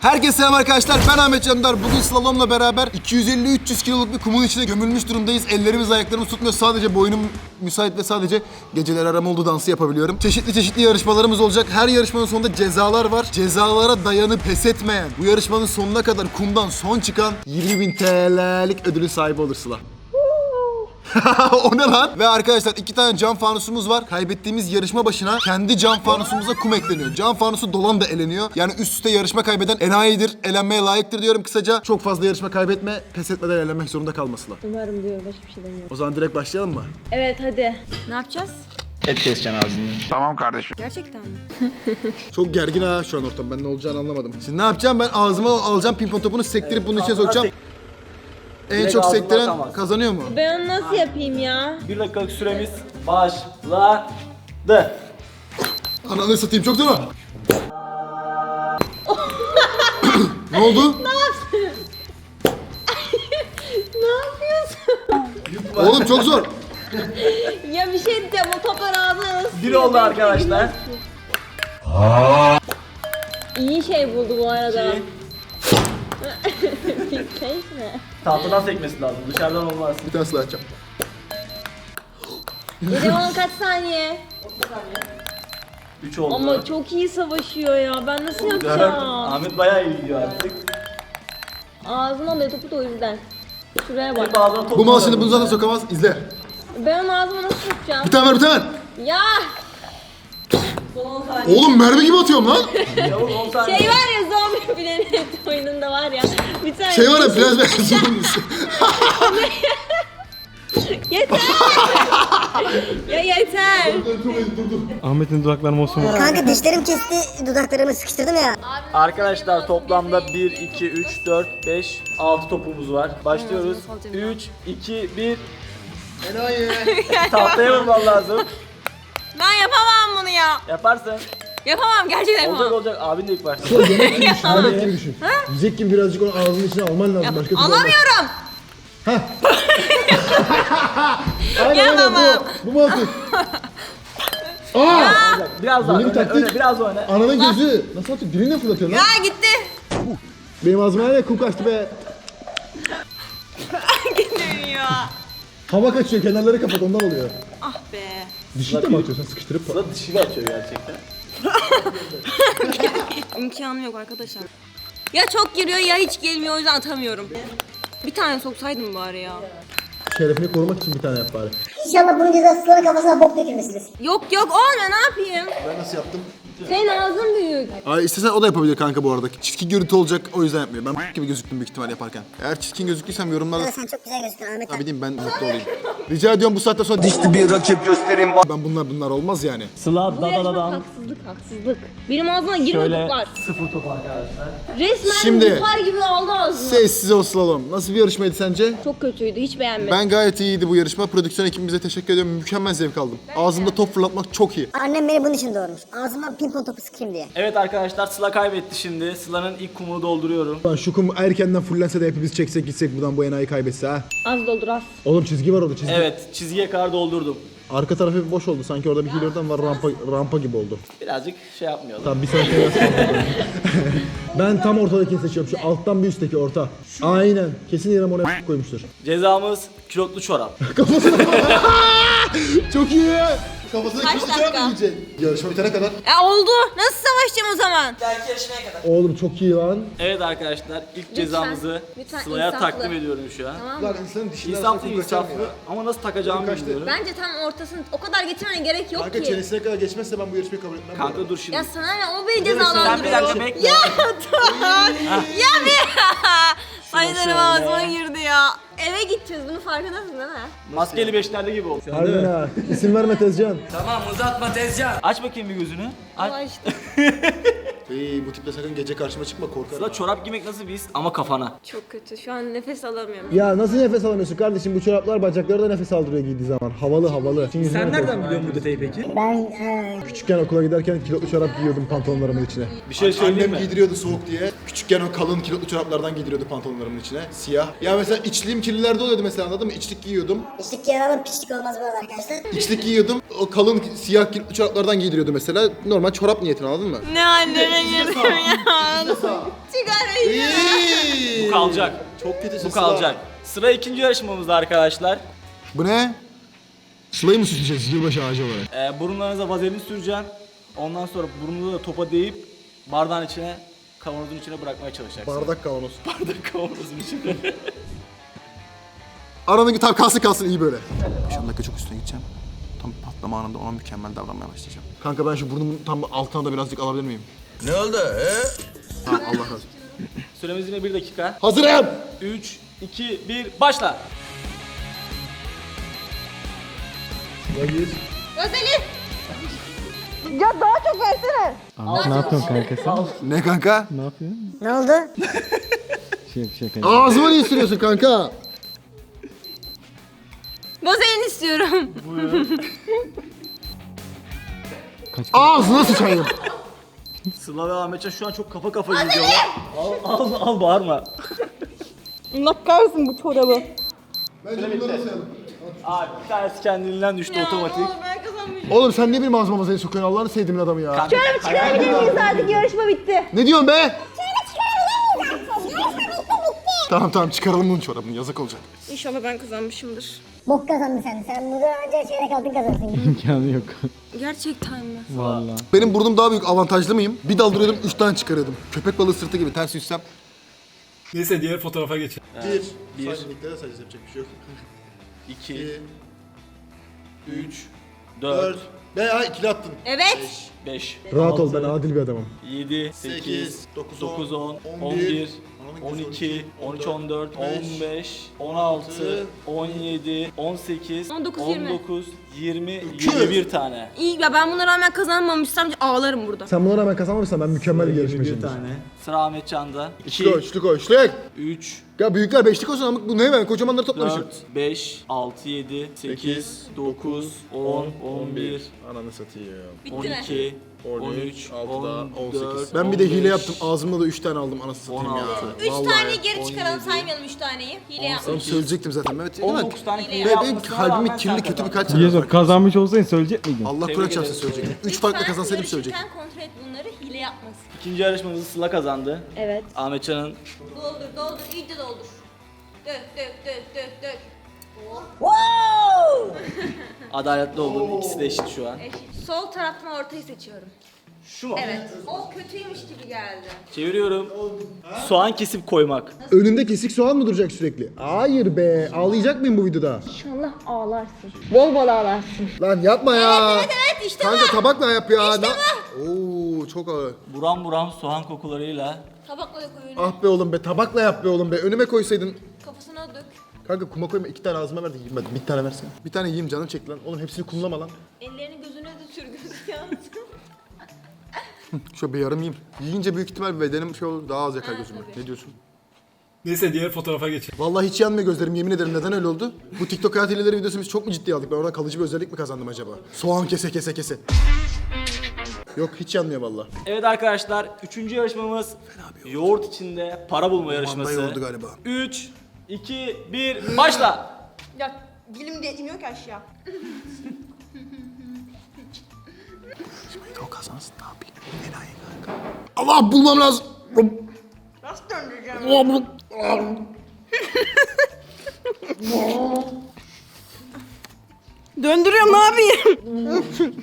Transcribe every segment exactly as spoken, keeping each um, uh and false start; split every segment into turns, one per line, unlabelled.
Herkese selam arkadaşlar, ben Ahmet Candar. Bugün slalomla beraber iki yüz elli üç yüz kiloluk bir kumun içine gömülmüş durumdayız. Ellerimiz ayaklarımız tutmuyor, sadece boynum müsait ve sadece geceler aram oldu dansı yapabiliyorum. Çeşitli çeşitli yarışmalarımız olacak. Her yarışmanın sonunda cezalar var. Cezalara dayanıp pes etmeyen, bu yarışmanın sonuna kadar kumdan son çıkan yirmi bin T L'lik ödülün sahibi olur Sıla. O ne lan? Ve arkadaşlar iki tane cam fanusumuz var. Kaybettiğimiz yarışma başına kendi cam fanusumuza kum ekleniyor. Cam fanusu dolan da eleniyor. Yani üst üste yarışma kaybeden enayidir, elenmeye layıktır diyorum kısaca. Çok fazla yarışma kaybetme, pes etmeden elenmek zorunda kalmasınlar.
Umarım diyorum, başka bir şey demiyorum.
O zaman direkt başlayalım mı?
Evet hadi. Ne yapacağız?
Et keseceksin ağzını.
Tamam kardeşim.
Gerçekten mi?
Çok gergin ha şu an ortam. Ben ne olacağını anlamadım. Şimdi ne yapacağım? Ben ağzıma alacağım pimpon topunu, sektirip bunun içine sokacağım. En
Direkt
çok
ağzına
sektiren
atamaz.
kazanıyor mu?
Ben onu nasıl yapayım ya?
Bir dakikalık süremiz başladı.
Ananı satayım, çok zor. Ne oldu?
Ne yapıyorsun?
Oğlum çok zor.
Ya bir şey diyeceğim, o toplar ağzına nasıl
Bir oldu arkadaşlar.
İyi şey buldu bu arada.
İki.
Keyif mi?
Tahtadan sekmesi lazım. Dışarıdan olmaz.
Bir tane silah açacağım.
Dedim on kaç saniye?
üç oldu.
Ama çok iyi savaşıyor ya. Ben nasıl
dört.
yapacağım?
Ahmet bayağı iyi gidiyor artık.
Ağzıma alıyor topu da o yüzden. Şuraya bak.
Hep ağzına top
Bu mal
var.
şimdi bunu zaten sokamaz. İzle.
Ben onu ağzıma nasıl sokacağım?
Bir tane ver, bir tane ver.
Ya!
Oğlum mermi gibi atıyorum lan.
Çabuk on saniye.
Şey var ya, zombi Planet oyununda var ya. Bir tane
Şey var ya, biraz biraz
Yeter! Ya yeter!
Ahmet'in dudakları mosum var.
Kanka dişlerim kesti, dudaklarımı sıkıştırdım ya.
Arkadaşlar toplamda bir, iki, üç, dört, beş, altı topumuz var. Başlıyoruz. üç, iki, bir. Tahtaya vurman lazım.
Ben yapamam bunu ya.
Yaparsın.
Yapamam, gerçekten
Olacak
yapamam.
olacak. Abin de ilk başta.
Yemek gibi düşün. Yiyecek gibi birazcık onu ağzının içine alman lazım. Başka türlü olmaz.
Alamıyorum.
Aynen aynen
Yapamam.
bu. Bu mu atıyor? Aa!
Biraz daha
Benim
öne,
taktik-
öne, biraz öne.
Ananın gözü. Nasıl atıyor? Diline fırlatıyor lan.
Ya gitti.
Benim ağzıma ne kum kaçtı be.
Gitti ya.
Hava kaçıyor, kenarları kapat, ondan oluyor.
Ah be.
Dişi de mi atıyorsun sıkıştırıp?
Sıla dişiyle açıyor gerçekten.
İmkanım yok arkadaşlar. Ya çok giriyor ya hiç gelmiyor, o yüzden atamıyorum. Bir tane soksaydım bari ya.
Şerefini korumak için bir tane yap bari.
İnşallah bunun cezası Sıla'nın kafasına bok dökülmesidir.
Yok yok olmuyor, ne yapayım?
Ben nasıl yaptım?
Senin ağzın büyük.
Ay istesen o da yapabilir kanka bu arada. Çirkin görüntü olacak, o yüzden yapmıyor. Ben gibi gözüktüm büyük ihtimal yaparken. Eğer çirkin gözüktüysem yorumlarda...
Ama sen çok güzel gözüküyorsun Ahmet
Ha
abi.
bileyim, ben mutlu olayım. Rica ediyorum bu saatten sonra dişli bir rakip göstereyim. Ben bunlar bunlar olmaz yani.
Sıla
Bu
da da da
yarışma
da.
haksızlık haksızlık. Benim ağzıma girme
Şöyle
toplar.
sıfır top arkadaşlar.
Resmen
Şimdi-
buhar gibi aldı ağzıma.
Sessiz ol slalom. Nasıl bir yarışmaydı sence?
Çok kötüydü, hiç beğenmedim.
Ben gayet iyiydi bu yarışma. Prodüksiyon ekibimize teşekkür ediyorum. Mükemmel zevk aldım. Ağzımda top fırlatmak çok iyi.
Annem beni bunun için doğurmuş. Ağzıma pimpon topu sıkayım diye.
Evet arkadaşlar Sıla kaybetti şimdi. Sıla'nın ilk kumunu dolduruyorum.
Lan şu kum erkenden fullense de hepimiz çeksek gitsek buradan, bu enayi kaybetse ha.
Az doldur az.
Oğlum çizgi var orada, çizgi.
Evet çizgiye kadar doldurdum.
Arka tarafı bir boş oldu. Sanki orada bir hilyordan var, rampa rampa gibi oldu.
Birazcık şey yapmıyordum.
Tamam bir sonraki biraz kaldı. Ben tam ortadakini seçiyorum. Şu alttan bir üstteki orta. Aynen. Kesin İrem oraya koymuştur.
Cezamız kilotlu çorap.
Çok iyi. Kafasına
Kaç
kilitli
dakika?
çorap mı yiyecek? Yarışma bitene kadar.
E oldu. Nasıl savaşacağım o zaman?
Oğlum çok iyi lan.
Evet arkadaşlar ilk cezamızı
lütfen
Sıla'ya
insaflı.
takdim ediyorum şu an.
Tamam
Lan
mı?
insanın dişinden
İnsaflı insaflı ama nasıl takacağımı
Kaçtı.
bilmiyorum.
Bence tam ortasını o kadar getirmene gerek yok
Kanka
ki.
çenesine kadar geçmezse ben bu yarışmayı kabul etmem.
Kanka dur şimdi.
Ya sana ne, o beni
Sen bir
cezalandırıyor.
dakika bekle.
Ya tamam. Ya bir. Sayılarım ağzıma girdi ya. Eve gideceğiz, bunu farkındasın değil mi?
Maskeli beşlerde gibi oldu.
Harbiden ha. İsim verme Tezcan.
Tamam uzatma tezcan. Aç bakayım bir gözünü. Aç.
Allah işte.
İyi, bu tiple sakın gece karşıma çıkma, korkarım.
Sıla çorap giymek nasıl bir his ama kafana.
Çok kötü. Şu an nefes alamıyorum.
Ya nasıl nefes alamıyorsun kardeşim? Bu çoraplar bacakları da nefes aldırıyor giydiği zaman. Havalı havalı. Sen nereden
biliyorsun bu detayı peki?
Ben eee
Küçükken okula giderken kilotlu çorap giyiyordum pantolonlarımın içine.
Bir şey söyleyeyim
Annem
mi?
giydiriyordu soğuk diye. Küçükken o kalın kilotlu çoraplardan giydiriyordu pantolonlarımın içine. Siyah. Ya mesela içliğim kirlilerde oluyordu mesela, anladın mı? İçlik giyiyordum.
içlik giyen adam piçlik olmaz bu arada arkadaşlar.
İçlik giyiyordum. O kalın siyah kilotlu çoraplardan giydiriyordu mesela. Normal çorap niyetine, anladın mı?
Ne anne içine girdim ya. Çıkar beni.
Bu kalacak.
Çok kötü
Bu kalacak. Sıra ikinci yarışmamızda arkadaşlar.
Bu ne? Sıla'yı mı süsleyeceğiz yılbaşı ağacı olarak?
Ee, burunlarınıza vazelin süreceksin. Ondan sonra burnunu da topa değip bardağın içine, kavanozun içine bırakmaya çalışacaksın.
Bardak kavanoz.
Bardak kavanozun içine.
Aranın tam kalsın kalsın iyi böyle. beş on dakika çok üstüne gideceğim. Tam patlama anında ona mükemmel davranmaya başlayacağım. Kanka ben şu burnumun tam altına da birazcık alabilir miyim?
Ne oldu? He?
Ha, Allah razı olsun.
Süremiz yine bir dakika.
Hazırım.
üç, iki, bir, başla.
Özel'i. Ya daha çok versene.
Ahmet ne yapıyorsun kanka sen?
Ne kanka?
Ne yapıyorsun?
Ne oldu?
Şey bir şey kanka.
Ağzıma niye sürüyorsun kanka?
Vazelin istiyorum.
Ağzına sıçayım.
Sıla ve Ahmetcan şu an çok kafa kafa gidiyorlar. Al, al, al bağırma.
Allah kahretsin bu çorabı.
Abi bir tanesi kendiliğinden düştü otomatik.
Oğlum ben kazanmışım.
Oğlum sen niye benim ağzıma masaya sokuyorsun Allah'ını sevdiğim adamı ya.
Kanka,
Çıkarabilir miyiz artık, yarışma bitti.
Ne diyorsun be? Tamam tamam çıkaralım bunun çorabını yazık olacak.
İnşallah ben kazanmışımdır.
Bok kazandın sen. Sen burada önce çeyrek altın kazandın.
İmkanı yok.
Gerçekten mi?
Valla.
Benim burnum daha büyük avantajlı mıyım? Bir daldırıyordum üç tane çıkarıyordum. Köpek balığı sırtı gibi ters yüzsem.
Neyse diğer fotoğrafa geçelim.
Bir.
Bir.
Saçmalıklara sadece yapacak bir şey yok.
iki, üç, dört,
Veya ikili attın.
Evet.
beş,
Rahat ol ben adil bir adamım.
yedi, sekiz,
Sekiz,
dokuz,
dokuz,
on,
on
on
bir,
bir, on iki, on üç, on dört, on beş, on altı, on yedi, on sekiz,
on dokuz,
on
yirmi.
dokuz, yirmi, yirmi bir tane.
İyi ya, ben buna rağmen kazanmamışsam ağlarım burada.
Sen buna rağmen kazanmamışsan ben mükemmel bir
Bir
yarışmacıyım.
tane. Sıra Ahmetcan'da.
Üçlük o,
iki,
üçlük o, üçlük.
üç,
Ya büyükler beşlik olsun ama bu ne ben kocamanları toplamışım.
dört, beş, altı, yedi, sekiz, dokuz, on, on bir,
Ananı satayım.
on
Bitti mi?
iki, on
on
üç,
üç,
on
altıda on
dört,
sekiz. Ben bir de
on
hile
beş,
yaptım. Ağzımda da üç tane aldım anasını satayım
on
ya.
altı.
Üç
Vallahi.
taneyi geri
on
çıkaralım,
yedi,
saymayalım üç taneyi. Hile
Onu
yapmış.
söyleyecektim zaten Mehmet.
on
Ulan,
dokuz tane
Hile
hile
Ve benim
yapmasına
kalbimin
rağmen
kirli
sen
kötü
kazandın.
birkaç
Yezo
tane.
kazanmış olsaydın söyleyecek miydin?
Allah
Tebrik
Kur'an
ederim.
çarpsın söyleyecektim. Üç farklı kazansaydım söyleyecektim.
Lütfen kontrol et bunları, hile yapmasın.
İkinci yarışmamızı Sıla kazandı.
Evet.
Ahmetcan'ın
Doldur, doldur, iyice doldur. Dök, dök, dök, dök, dök.
adaletli olduğu ikisi de eşit şu an.
Eşit. Sol taraftan ortayı seçiyorum.
Şu mu?
Evet. O kötüymüş gibi geldi.
Çeviriyorum. Soğan kesip koymak.
Önünde kesik soğan mı duracak sürekli? Hayır be. Ağlayacak mıyım bu videoda?
İnşallah ağlarsın. Bol bol ağlarsın.
Lan yapma ya.
Evet, evet, işte
Kanka
bu.
tabakla yap ya.
İşte
Na- Oo çok ağır.
Buram buram soğan kokularıyla.
Tabakla da koy önüne.
Ah be oğlum be tabakla yap be oğlum be. Önüme koysaydın.
Kafasına dök.
Kanka kuma koyma iki tane ağzıma ver de yiyeyim hadi. Bir tane versene. Bir tane yiyeyim canım çekti lan. Oğlum hepsini kumlama lan.
Ellerini gözüne de sür, gözü yansın.
Şöyle bir yarım yiyeyim. Yiyince büyük ihtimal bedenim şey olur daha az yakar
Ha,
gözüme.
tabii.
Ne diyorsun?
Neyse diğer fotoğrafa geçelim.
Vallahi hiç yanmıyor gözlerim yemin ederim neden öyle oldu? Bu TikTok hayat hileleri videosu biz çok mu ciddiye aldık? Ben oradan kalıcı bir özellik mi kazandım acaba? Soğan kese kese kese. Yok hiç yanmıyor vallahi.
Evet arkadaşlar, üçüncü yarışmamız yoğurt içinde para bulma yarışması.
yoğurdu galiba.
üç, iki, bir, başla.
Ya dilim de iniyor ki aşağı.
O kazansın ne yapayım? Enayi kanka. Allah bulmam lazım.
Nasıl döndüreceğim? Döndürüyorum, ne yapayım?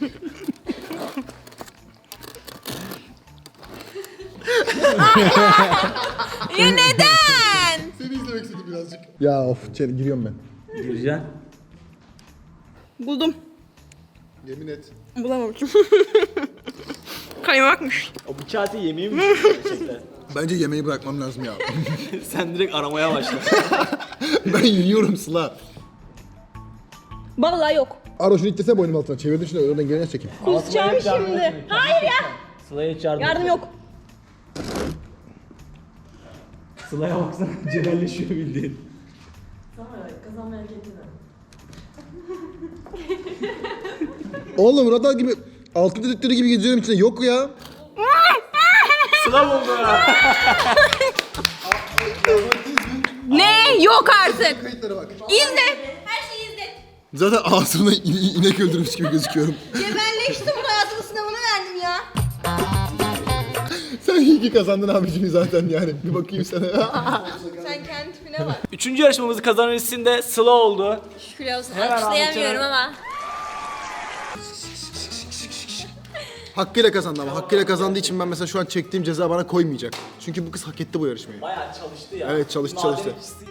Ya neden?
Seni izlemek istedim birazcık. Ya of içeri giriyorum ben.
Gireceksin.
Buldum.
Yemin et.
Bulamamışım. Kaymakmış.
O bu kağıtı yemeği mi gerçekten?
Bence yemeği bırakmam lazım ya.
Sen direkt aramaya başla.
Ben yiyorum Sıla.
Vallahi yok.
Aro şunu itlese boynum altına. Çevirdim şunu oradan gelene çekeyim.
Kusacağım şimdi. Hayır ya.
Sıla'ya hiç yardım
Yardım yok.
Sıla'ya baksana cebelleşiyor bildiğin.
Oğlum radar gibi altın dedektörü gibi geziyorum içinde yok ya.
Sıla buldu.
Ne? Yok artık.
Kayıtlara bak.
İzle. Her şeyi izle.
Zaten ağzımda in- inek öldürmüş gibi gözüküyorum.
Cebelleştim, hayatımın sınavını verdim ya.
ki kazandın abicim zaten yani. Bir bakayım sana.
Sen kendi tipine bak.
Üçüncü yarışmamızı kazanan isim de Sıla oldu.
Şükür olsun.
Hemen
Alkışlayamıyorum
anlatacağım.
ama.
Hakkıyla kazandı ama hakkıyla kazandığı için ben mesela şu an çektiğim ceza bana koymayacak. Çünkü bu kız hak etti bu yarışmayı.
Bayağı çalıştı ya.
Evet, çalıştı,
Maden
çalıştı.
ikisi-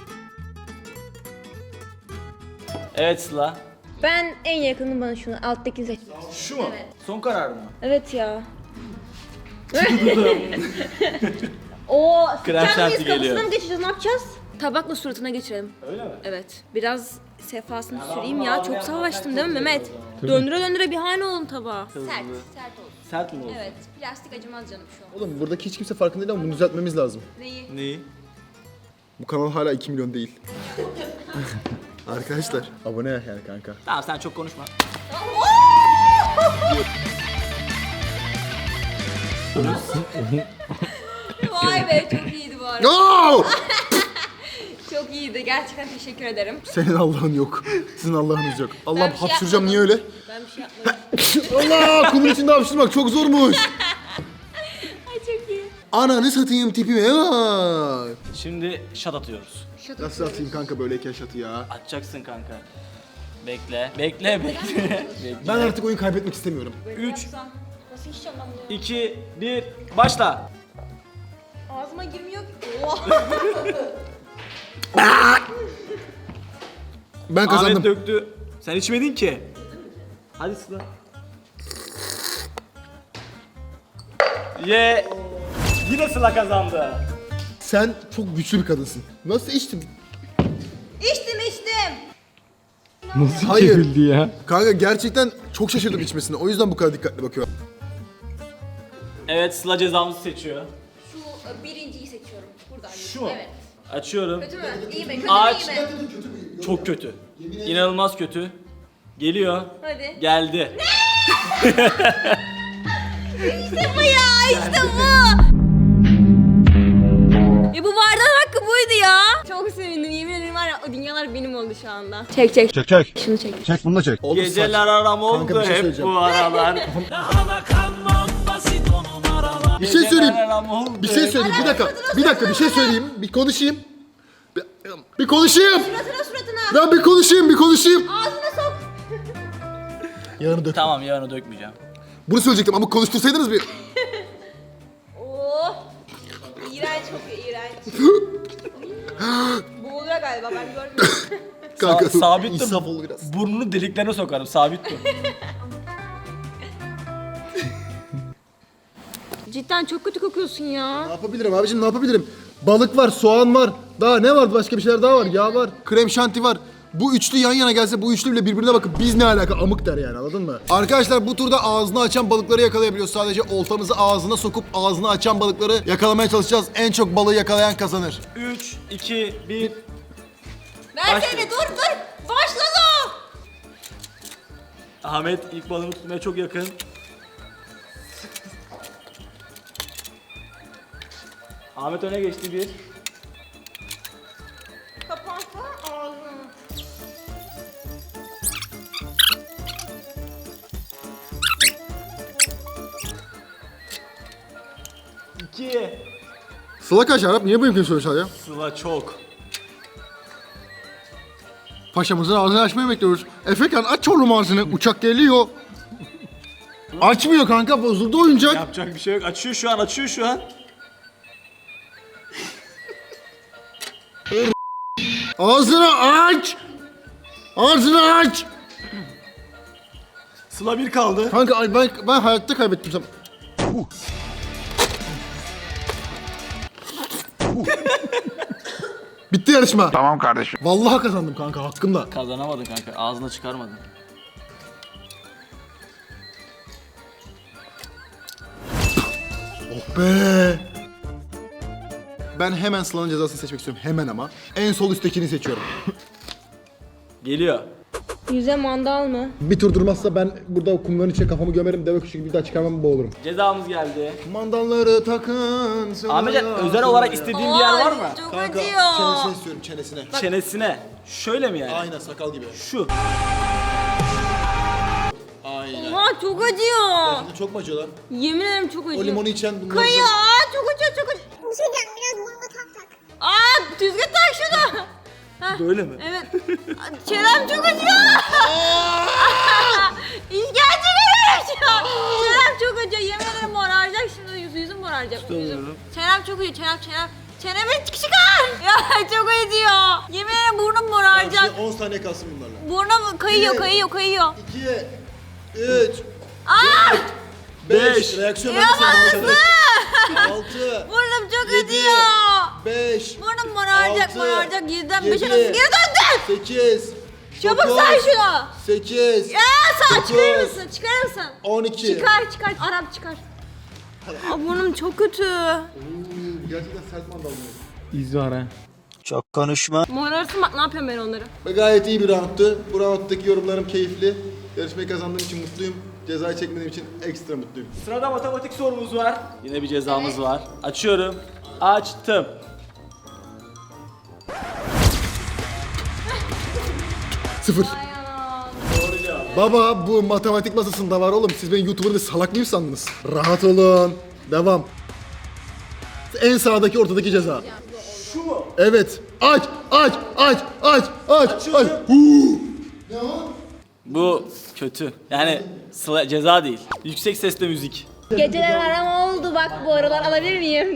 Evet Sıla.
Ben en yakınım bana şunu. Alttaki seç.
Şu mu? Son karar mı?
Evet ya. Oo,
Krem
sıkacak
şanti
mıyız?
geliyor.
Kafasına mı geçeceğiz? Ne yapacağız? Tabakla suratına geçirelim.
Öyle mi?
Evet. Biraz sefasını süreyim ya. Çok savaştım değil mi Mehmet? Döndüre döndüre bir hane olun tabağa. Sert. Sert olsun.
Sert mi oldu?
Evet. Plastik acımaz canım şu an.
Oğlum buradaki hiç kimse farkında değil ama bunu düzeltmemiz lazım.
Neyi?
Neyi?
Bu kanal hala iki milyon değil. Arkadaşlar abone yani kanka.
Tamam sen çok konuşma.
Vay be çok iyiydi bu arada.
No!
Çok iyiydi. Gerçekten teşekkür ederim.
Senin Allah'ın yok. Sizin Allah'ınız yok. Allah'ım
Ben bir şey
hapşıracağım niye öyle?
Ben bir şey yapmadım.
Allah kumun içinde hapşırmak çok zormuş.
Ay çok iyi.
Ananı satayım tipime bak.
Şimdi şat atıyoruz.
Nasıl atayım kanka böyleyken şatı ya?
Atacaksın kanka. Bekle. Bekle bekle. Bekle.
Ben artık oyun kaybetmek istemiyorum.
üç. Nasıl içeceğim ben bunu?
iki, bir, başla.
Ağzıma girmiyor ki. Oh.
Ben kazandım.
Ahmet döktü. Sen içmedin ki. Hadi Sıla. Ye. Yine Sıla kazandı.
Sen çok güçlü bir kadınsın. Nasıl içtin?
İçtim içtim.
Nasıl
Hayır.
çevirdi ya?
Kanka gerçekten çok şaşırdım içmesine. O yüzden bu kadar dikkatli bakıyorum.
Evet Sıla cezamızı seçiyor.
Şu e, birinciyi seçiyorum. Buradan.
Şu mu?
Evet.
Açıyorum.
Kötü mü? İyi mi? Kötü
Aç.
mü? İyi mi?
Çok kötü. İnanılmaz kötü. Geliyor.
Hadi.
Geldi.
İşte bu ya. İşte bu. Ya bu bardağın hakkı buydu ya. Çok sevindim. Yemin ederim var ya o dünyalar benim oldu şu anda. Çek çek.
Çek çek.
Şunu çek.
Çek bunu da çek.
Oğlum
Geceler aram oldu
Kanka bir şey
hep
söyleyeceğim.
bu aralar.
Bir şey söyleyeyim.
Geceler aram oldu
Bir şey
hep-
söyleyeyim. Bir dakika. Bir dakika bir şey söyleyeyim. Bir konuşayım. Bir, bir konuşayım.
Suratına suratına.
Ben bir konuşayım, bir konuşayım.
Ağzına sok.
Yarını dök.
Tamam yarını dökmeyeceğim.
Bunu söyleyecektim ama konuştursaydınız bir.
Oh. İğrenç kokuyor iğrenç. Boğuluyor galiba ben görmüyorum.
Kanka
Sa- sabit dur.
insaf ol biraz.
Burnunu deliklerine sokarım sabit dur.
Cidden çok kötü kokuyorsun ya.
Ne yapabilirim abicim ne yapabilirim? Balık var, soğan var. Daha ne var? Başka bir şeyler daha var. Yağ var. Krem şanti var. Bu üçlü yan yana gelse bu üçlü bile birbirine bakıp biz ne alaka amık der yani anladın mı? Arkadaşlar bu turda ağzını açan balıkları yakalayabiliyoruz. Sadece oltamızı ağzına sokup ağzını açan balıkları yakalamaya çalışacağız. En çok balığı yakalayan kazanır.
üç, iki, bir.
Versene dur dur. Başladı.
Ahmet ilk balığını tutmaya çok yakın. Ahmet öne geçti bir.
Kapansana ağzını.
iki.
Sıla kaç Arap? Niye bu mümkün soruyorsun ya?
Sıla çok.
Paşamızın ağzını açmayı bekliyoruz. Efekan aç oğlum ağzını. Uçak geliyor. Açmıyor kanka bozuldu oyuncak.
Yapacak bir şey yok. Açıyor şu an, açıyor şu an.
Ağzını aç. Ağzını aç.
Sıla bir kaldı.
Kanka ay ben, ben hayatta kaybettim sen. Bitti yarışma.
Tamam kardeşim.
Vallahi kazandım kanka hakkımda.
Kazanamadın kanka. Ağzına çıkarmadın.
Oh be. Ben hemen Sıla'nın cezasını seçmek istiyorum. Hemen ama. En sol üsttekini seçiyorum.
Geliyor.
Yüze mandal mı?
Bir tur durmazsa ben burada kumların içine kafamı gömerim. Deve kuşu gibi bir daha çıkarmam boğulurum.
Cezamız geldi.
Mandalları takın. Sıla'ya.
Ahmetcan özel olarak istediğin bir yer var mı?
Çok
Kanka
acıyor.
çenesine istiyorum çenesine.
Çenesine. Şöyle mi yani?
Aynen sakal gibi.
Şu.
Aynen.
Oha çok acıyor.
Şimdi çok mu acıyor lan?
Yemin ederim çok acıyor.
O limonu içen bunları...
Kaya çok çok uçuyor çok uçuyor.
Bir şey diyeceğim, biraz burnuna tak tak.
Aa düzgün tak şunu. Hah,
Böyle mi?
Evet. Çenem çok acıyor. İşkence veriyor. Çenem çok acıyor. Yemin ederim moraracak şimdi. Yüz, yüzüm moraracak. Yüzüm.
Tutamıyorum.
Çenem çok acıyor. Çenem çenem. Çenemi çıkar. Ya çok acıyor. Yemin ederim burnum moraracak.
on saniye kalsın bunlarla.
Burnum kayıyor
İki.
kayıyor kayıyor.
iki, üç,
Aa!
beş. Reaksiyon
Ya
vermesin.
bastı.
altı,
Burnum çok
Yedi.
acıyor.
beş,
Burnum moraracak
altı,
moraracak. Yediden beşe
yedi,
nasıl geri döndün?
sekiz,
Çabuk say şunu.
sekiz,
Ya sen çıkarır
dokuz,
mısın? Çıkarır mısın?
on iki.
Çıkar çıkar. Arap çıkar. Aa, burnum çok kötü.
Gerçekten sert mandal mı?
İz var ha.
Çok konuşma.
Morarsın bak ne yapıyorum ben onları.
Ve gayet iyi bir roundtu. Bu rounddaki yorumlarım keyifli. Yarışmayı kazandığım için mutluyum. Cezayı çekmediğim için ekstra mutluyum.
Sırada matematik sorumuz var. Yine bir cezamız var. Açıyorum. Açtım.
Sıfır.
Doğru cevap.
Baba bu matematik masasında var oğlum. Siz beni YouTuber'da salak mıyım sandınız? Rahat olun. Devam. En sağdaki ortadaki ceza.
Şu mu?
Evet. Aç, aç, aç, aç, aç, aç.
Açıyorum.
Huu. Ne o?
Bu kötü. Yani sıla, ceza değil. Yüksek sesle müzik.
Geceler aram oldu bak bu aralar alabilir miyim?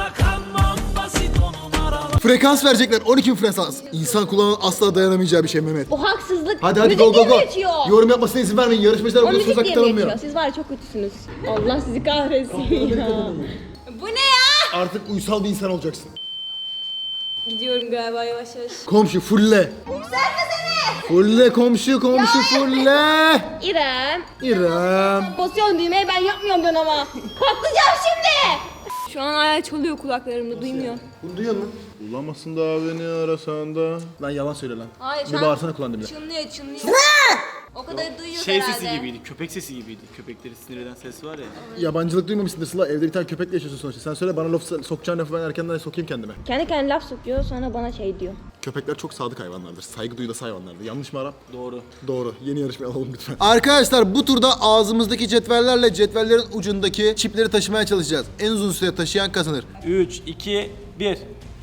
Frekans verecekler. on iki bin frekans. İnsan kulağının asla dayanamayacağı bir şey Mehmet.
O haksızlık.
Hadi hadi
Müzik
go go
diye
go.
mi geçiyor?
Yorum yapmasına izin vermeyin. Yarışmacılar
O
burada
müzik
söz
diye
hakkı
mi
tanınmıyor.
geçiyor? Siz var ya çok kötüsünüz. Allah sizi kahretsin ya. Bu ne ya?
Artık uysal bir insan olacaksın.
Gidiyorum galiba yavaş yavaş.
Komşu fulle.
Yükselmesene.
Fulle komşu komşu fulle.
İrem.
İrem.
Basıyorum düğmeye ben yapmıyorum ben ama. Patlayacağım şimdi. Şu an ayağı çalıyor kulaklarımda duymuyor.
Bunu duyuyor musun? Bulamazsın da beni arasan da. Lan yalan söyle lan.
Hayır
Bir bağırsana kulağın dibine.
Çınlıyor çınlıyor. O kadar duyuyor
Şey
herhalde.
sesi gibiydi. Köpek sesi gibiydi. Köpekleri sinir eden ses var ya.
Yabancılık duymamışsındır Sıla. Evde bir tane köpekle yaşıyorsun sonuçta. Sen söyle bana laf sokacağın lafı ben erkenden sokayım kendime.
Kendi kendine laf sokuyor sonra bana şey diyor.
Köpekler çok sadık hayvanlardır. Saygı duyulası hayvanlardır. Yanlış mı Arap?
Doğru.
Doğru. Yeni yarışmaya alalım lütfen. Arkadaşlar bu turda ağzımızdaki cetvellerle cetvellerin ucundaki çipleri taşımaya çalışacağız. En uzun süre taşıyan kazanır.
üç, iki, bir.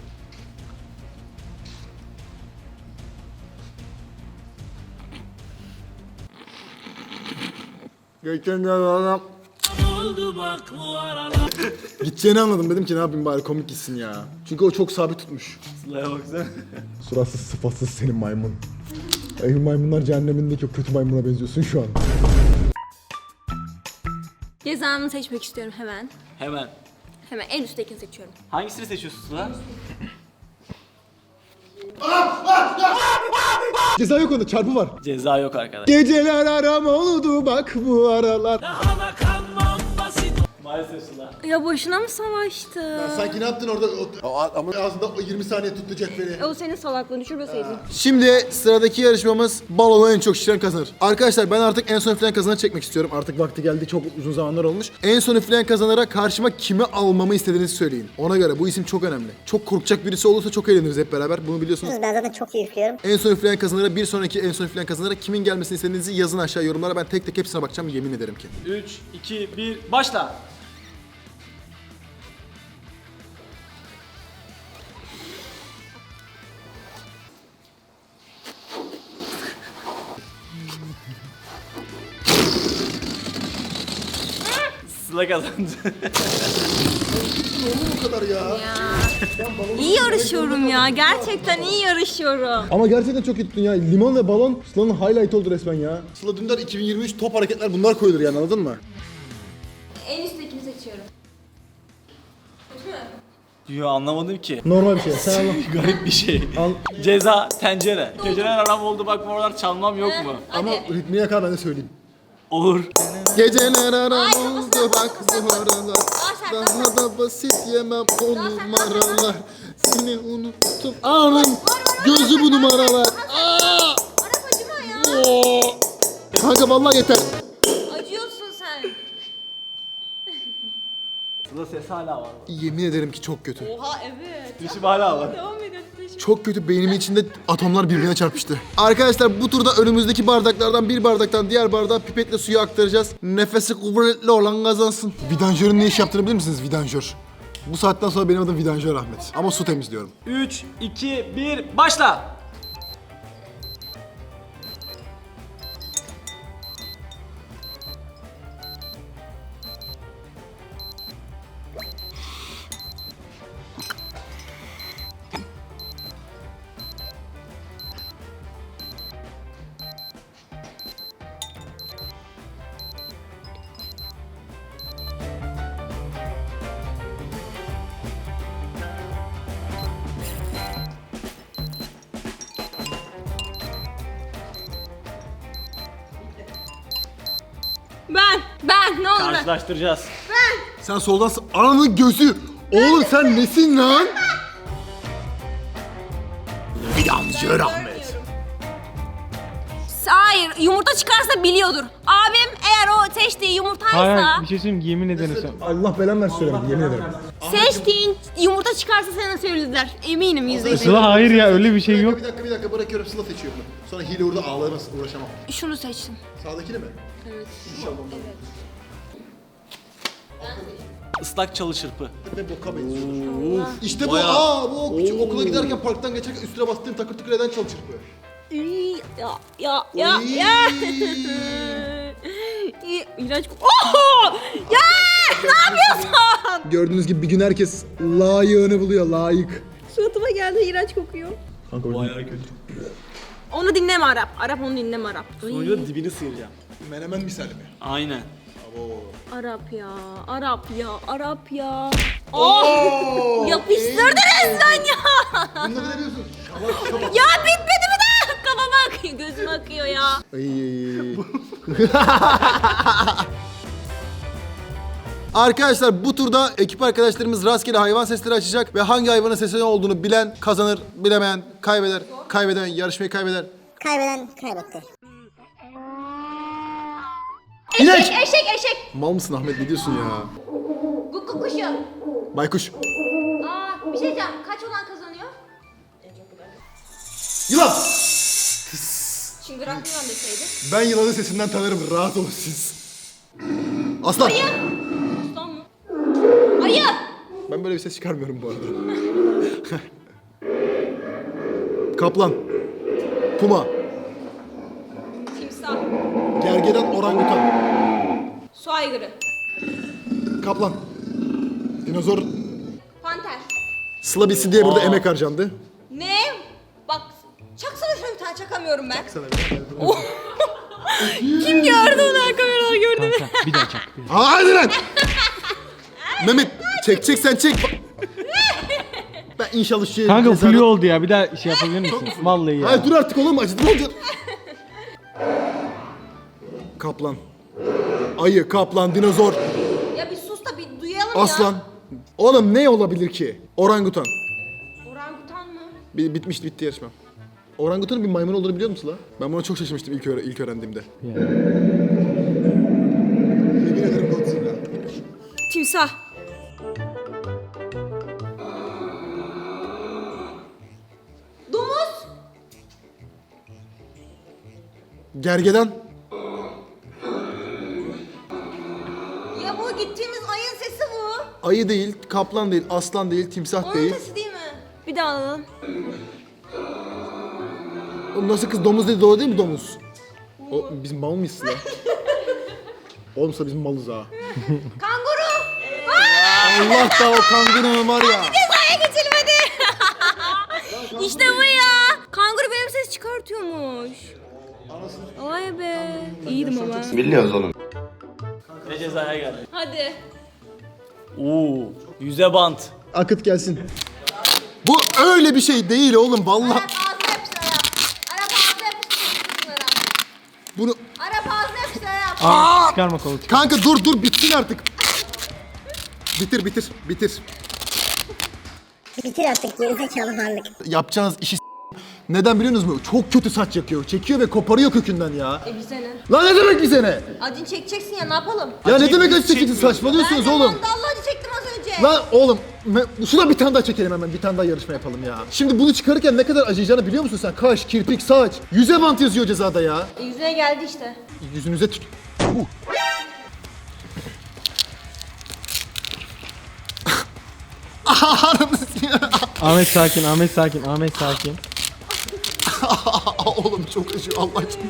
Geçen adam. Gideceğini anladım, dedim ki ne yapayım bari komik gitsin ya. Çünkü o çok sabit tutmuş.
Sıla'ya baksana.
Suratsız sıfatsız senin maymun. Ey maymunlar cehennemindeki o kötü maymuna benziyorsun şu an.
Cezamı seçmek istiyorum hemen.
Hemen.
Hemen en üsttekini seçiyorum.
Hangisini seçiyorsun Sıla?
Ceza yok onda, çarpı var.
Ceza yok arkadaş.
Geceler aram oldu bak bu aralar.
Maalesef Sıla.
Ya boşuna mı savaştı?
Sanki ne yaptın orada? O, ama ağzında o yirmi saniye tuttu cetveli.
O senin salaklığını düşürmeseydin.
Şimdi sıradaki yarışmamız balonu en çok şişiren kazanır. Arkadaşlar ben artık en son üfleyen kazanı çekmek istiyorum. Artık vakti geldi, çok uzun zamanlar olmuş. En son üfleyen kazanara karşıma kimi almamı istediğinizi söyleyin. Ona göre bu isim çok önemli. Çok korkacak birisi olursa çok eğleniriz hep beraber. Bunu biliyorsunuz.
Ben zaten çok iyi üflüyorum.
En son üfleyen kazanara, bir sonraki en son üfleyen kazanara kimin gelmesini istediğinizi yazın aşağı yorumlara. Ben tek tek hepsine bakacağım, yemin ederim ki.
üç, iki, bir, başla. Sıla kazandı.
Bu kadar ya.
İyi yarışıyorum ya. Gerçekten iyi yarışıyorum.
Ama gerçekten çok iyi tuttun ya. Limon ve balon Sıla'nın highlight oldu resmen ya. Sıla Dündar iki bin yirmi üç top hareketler bunlar koyulur yani, anladın mı?
En üsttekini seçiyorum.
Yo, anlamadım ki.
Normal bir şey. Sen anla.
Garip bir şey.
Al.
Ceza, tencere. Geceler aram oldu bak bu aralar çalmam yok mu?
Ama ritmi yakar, ben de söyleyeyim.
Olur.
Geceler aram
Ay,
oldu
kafasına
bak bu aralar.
sen,
Daha da basit yemem o numaralar. Seni unuttum anım. Gözü bu numaralar. Aa!
Arap acıma ya.
Oo! Kanka vallahi yeter.
Acıyorsun sen.
Sıla ses hala var.
Yemin ederim ki çok kötü.
Oha evet.
Dişim hala var.
Devam edin.
Çok kötü, beynimin içinde atomlar birbirine çarpıştı. Arkadaşlar bu turda önümüzdeki bardaklardan bir bardaktan diğer bardağa pipetle suyu aktaracağız. Nefesi kuvvetli olan kazansın. Vidanjörün ne iş yaptığını bilir misiniz? Vidanjör. Bu saatten sonra benim adım Vidanjör Ahmet. Ama su temizliyorum.
üç, iki, bir, başla.
Ben. Ben. Ne olur ben.
Karşılaştıracağız.
Sen soldan s- ananın gözü. Oğlum sen nesin lan? Vidanjör Ahmet.
Hayır, yumurta çıkarsa biliyordur. Abim eğer o seçtiği yumurtaysa,
Hayır bir şey söyleyeyim yemin ederim sen.
Allah belanı versin söylemedim yemin ederim.
seçtiğin yumurta çıkarsa sana söylediler. Eminim yüzde yüz.
Sıla hayır ya öyle bir şey
Bir
yok.
dakika bir dakika bir dakika bırakıyorum Sıla seçiyor bunu. Sonra hile orada ağlamaz uğraşamam.
Şunu seçtim.
Sağdakini mi? Evet. İnşallah.
Islak çalı çırpı.
Ve boka benziyor. İşte bu aa bu küçük okula giderken parktan geçerken üstüne bastığım takır tıkır eden çal çırpı.
İyi, Ya ya ya
Oy.
ya. İyi, İğrenç. Oh! Ya ne yapıyorsun?
Gördüğünüz gibi bir gün herkes layığını buluyor layık.
Suratıma geldi, iğrenç kokuyor.
Bayağı kötü.
Onu dinleme Arap. Arap onu dinleme Arap.
Sonucu da dibini sıyıracağım.
Menemen misali mi?
Aynen.
Arap ya, Arap ya, Arap ya. Oh! Yapıştırdı resmen ya.
Bunda ne diyorsun? Şabak şabak.
Ya bitmedi mi daha? Kafama akıyor, gözüme akıyor ya.
Ay. Arkadaşlar bu turda ekip arkadaşlarımız rastgele hayvan sesleri açacak ve hangi hayvanın sesi ne olduğunu bilen kazanır, bilemeyen kaybeder, kaybeden yarışmayı kaybeder.
Kaybeden kaybetti.
İnek!
Eşek, eşek, eşek.
Mal mısın Ahmet ne diyorsun ya?
Guguk kuşu.
Baykuş.
Aa, bir şey diyeceğim. Kaç olan kazanıyor?
Yılan!
Çıngırak yılan deseydi.
Ben yılanın sesinden tanırım rahat olun siz. Aslan!
Aslan mı? Ayı.
Ben böyle bir ses çıkarmıyorum bu arada. Kaplan. Puma.
Timsah.
Gergedan, orangutan.
Su aygırı.
Kaplan. Dinozor.
Panter.
Sıla bitsin diye burada
Aa.
emek harcandı.
Ne? Bak, çaksana şöyle bir tane, çakamıyorum ben.
Sana
Kim gördü onu kameralar gördü mü?
Kanka bir daha çak. Bir daha.
Hadi lan! Mehmet çekeceksen çek. Ben inşallah şu
Kanka
mezarda-
flu oldu ya bir daha şey yapabilir misin? Vallahi ya.
Hayır dur artık oğlum acıdı mı olacak? Kaplan. Ayı, kaplan, dinozor,
Ya bir sus da bir duyalım
aslan.
ya.
Oğlum ne olabilir ki? Orangutan.
Orangutan mı?
Bi- bitmişti bitti yarışma. Orangutanın bir maymun olduğunu biliyor musun la? Ben buna çok şaşırmıştım ilk, öğre- ilk öğrendiğimde.
Yani.
Yemin ederim Godzilla.
Timsah. Domuz.
Gergedan.
Ya bu gittiğimiz ayın sesi bu.
Ayı değil, kaplan değil, aslan değil, timsah
Onun
değil.
sesi değil mi? Bir daha alalım.
Oğlum nasıl kız domuz dedi doğru değil mi domuz? O biz mal mıyız lan? Oğlumsa biz malız ha.
Kanguru.
Allah da o kangurunun var ya.
Cezaya geçilmedi. İşte bu ya. Kanguru benim ses çıkartıyormuş. Vay be. İyiydim ama.
Biliyoruz oğlum.
Ve cezaya geldi.
Hadi.
Oo, yüze bant.
Akıt gelsin. Bu öyle bir şey değil oğlum vallahi.
Arap ağzına yapıştır Arap. Arap ağzına yapıştır Arap.
Bunu
Arap ağzına yapıştır Arap.
Aa, çıkarma kolu çıkar.
kanka dur dur bitsin artık. Bitir bitir bitir.
Bitir artık gerizekalı varlık.
Yapacağınız işi s- neden biliyor musunuz? Çok kötü saç yakıyor. Çekiyor ve koparıyor kökünden ya.
E bize ne?
Lan ne demek bize ne?
Acını çekeceksin ya, ne yapalım?
Ya ne demek acı çekici
çekmiyoruz.
saçmalıyorsunuz
Ben de
oğlum.
mandallı acı çektim az önce.
Lan oğlum me- şuna bir tane daha çekelim hemen bir tane daha yarışma yapalım ya. Şimdi bunu çıkarırken ne kadar acıyacağını biliyor musun sen? Kaş, kirpik, saç. Yüze bant yazıyor cezada ya.
E, yüzüne geldi işte.
Yüzünüze tut. Uh.
Ahmet sakin, Ahmet sakin, Ahmet sakin.
Oğlum çok acıyor Allah aşkına.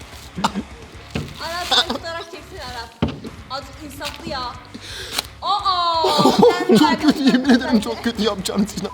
Aras sen tutarak çeksin Aras. Azıcık insaflı ya. Aa! Sen
Çok
sakin,
kötü
sen
yemin ederim
sakin.
çok kötü yapacağım Tina.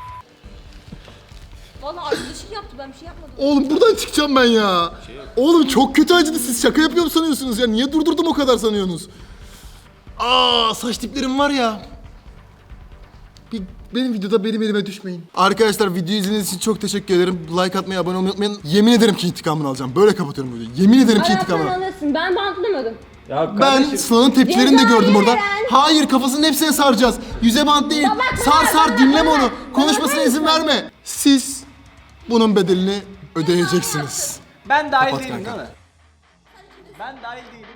Valla arkadaşım yaptı ben bir şey yapmadım.
Oğlum buradan çıkacağım ben ya. Oğlum çok kötü acıdı, siz şaka yapıyor mu sanıyorsunuz ya? Niye durdurdum o kadar sanıyorsunuz? Aa saç diplerim var ya. Bir, benim videoda benim elime düşmeyin. Arkadaşlar videoyu izlediğiniz için çok teşekkür ederim. Like atmayı, abone olmayı unutmayın. Yemin ederim ki intikamını alacağım. Böyle kapatıyorum videoyu. Yemin ederim ki
Aras sen
intikamını.
alırsın. Ben bantlamadım.
Ya
Ben
kardeşim,
Sıla'nın tepkilerini de
Cezayı
gördüm orada.
veren-
Hayır, kafasının hepsine saracağız. Yüze bant değil.
Baba,
Sar
baba,
sar
baba,
dinleme
baba.
onu.
Baba,
Konuşmasına izin
baba.
verme. Siz bunun bedelini ödeyeceksiniz.
ben dahil
Kapat
değilim
kanka.
değil mi? Ben dahil değilim.